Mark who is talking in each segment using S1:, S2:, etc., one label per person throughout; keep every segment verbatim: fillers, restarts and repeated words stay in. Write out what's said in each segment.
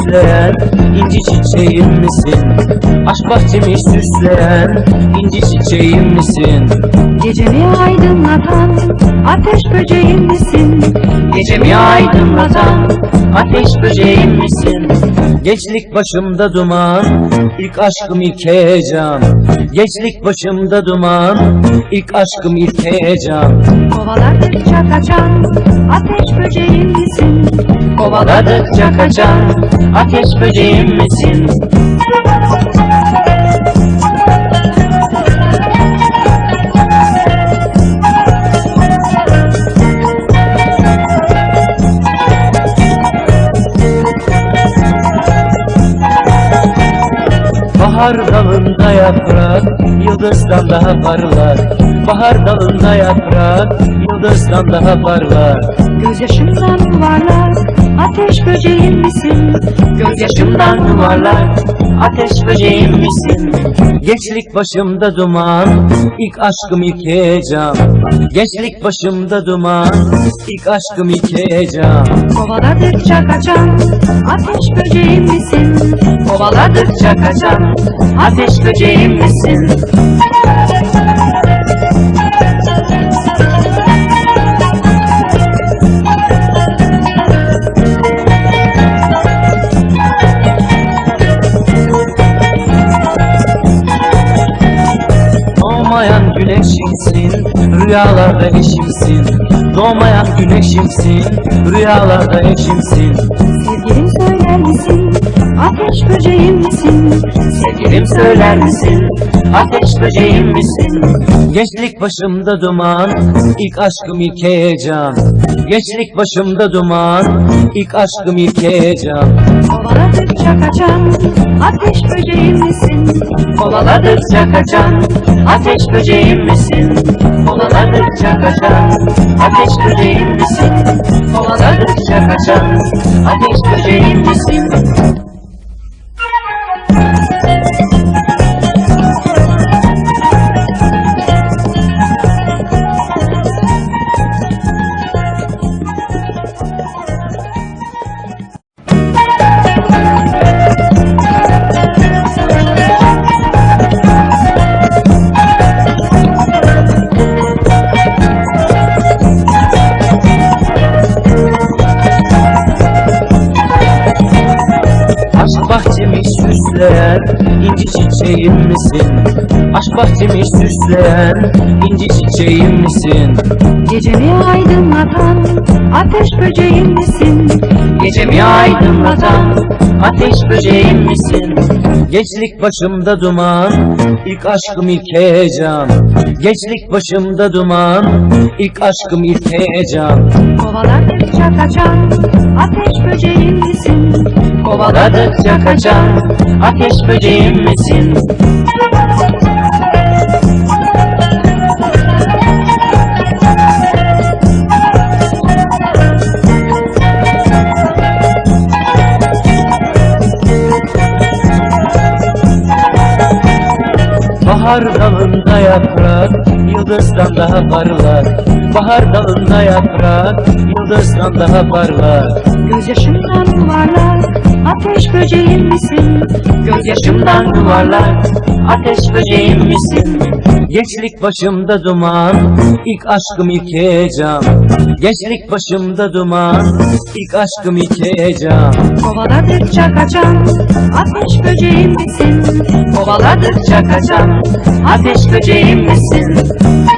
S1: süsleyen inci çiçeğim misin? Aşk bahçemi süsleyen inci çiçeğim misin?
S2: Gecemi aydınlatan ateş böceğim misin?
S1: Gecemi aydınlatan ateş böceğim misin? Gençlik başımda duman, ilk aşkım ilk heyecan. Gençlik başımda duman, ilk aşkım ilk heyecan.
S2: Kovaladıkça kaçan ateş böceğim misin?
S1: Kovaladıkça kaçan ateş böceğim misin? Bahar dalında yaprak, yıldızdan daha parlar. Bahar dalında yaprak, yıldızdan daha parlar.
S2: Gözyaşımdan yuvarlak ateş böceğim misin?
S1: Gözyaşımdan yuvarlak ateş böceğim misin? Gençlik başımda duman, ilk aşkım ilk heyecan. Gençlik başımda duman, ilk aşkım ilk heyecan.
S2: Kovaladıkça kaçan ateş böceğim misin?
S1: Kovaladıkça kaçan ateş böceğim misin? Doğmayan güneşimsin, rüyalarda eşimsin. Doğmayan güneşimsin, rüyalarda eşimsin.
S2: Sevgilim söyler misin? Ateş böceğim misin?
S1: Sevgilim söyler misin? Ateş böceğim misin? Gençlik başımda duman, ilk aşkım ilk heyecan. Gençlik başımda duman, ilk aşkım ilk heyecan.
S2: Kovaladıkça kaçan ateş böceğim misin?
S1: Kovaladıkça kaçan ateş böceğim misin? Kovaladıkça kaçan ateş böceğim misin? Kovaladıkça kaçan ateş böceğim misin? Aşk bahçemi süsleyen inci çiçeğim misin? Aşk bahçemi süsleyen inci çiçeğim misin?
S2: Gecemi aydınlatan ateş böceğim misin?
S1: Gecemi aydınlatan ateş böceğim misin? Gençlik başımda duman, ilk aşkım ilk heyecan. Gençlik başımda duman, ilk aşkım ilk heyecan.
S2: Kovaladıkça kaçan ateş böceğim misin?
S1: Kovaladıkça kaçan ateş böceğim misin? Bahar dalında yaprak, yıldızdan daha parlar. Bahar dalında yaprak, yıldızdan daha parlar.
S2: Gözyaşımdan yuvarlak ateş böceğim misin?
S1: Gözyaşımdan yuvarlak ateş böceğim misin? Gençlik başımda duman, ilk aşkım ilk heyecan. Gençlik başımda duman, ilk aşkım ilk heyecan.
S2: Kovaladıkça kaçan ateş böceğim misin?
S1: Kovaladıkça kaçan ateş böceğim misin?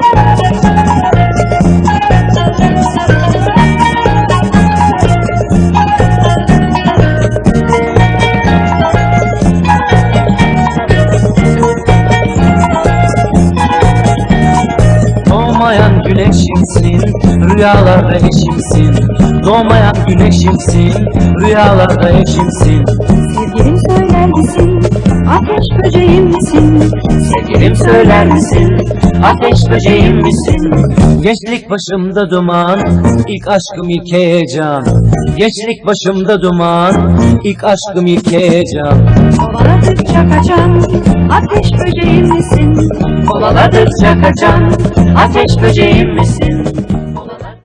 S1: Doğmayan güneşimsin, rüyalarda eşimsin. Doğmayan güneşimsin, rüyalarda eşimsin.
S2: Sevgilim söyler misin? Ateş böceğim misin?
S1: Sevgilim söyler misin? Ateş böceğim misin? Gençlik başımda duman, ilk aşkım ilk heyecan. Gençlik başımda duman, ilk aşkım ilk heyecan.
S2: Kovaladıkça kaçan ateş böceğim misin?
S1: Kovaladıkça kaçan ateş böceğim misin?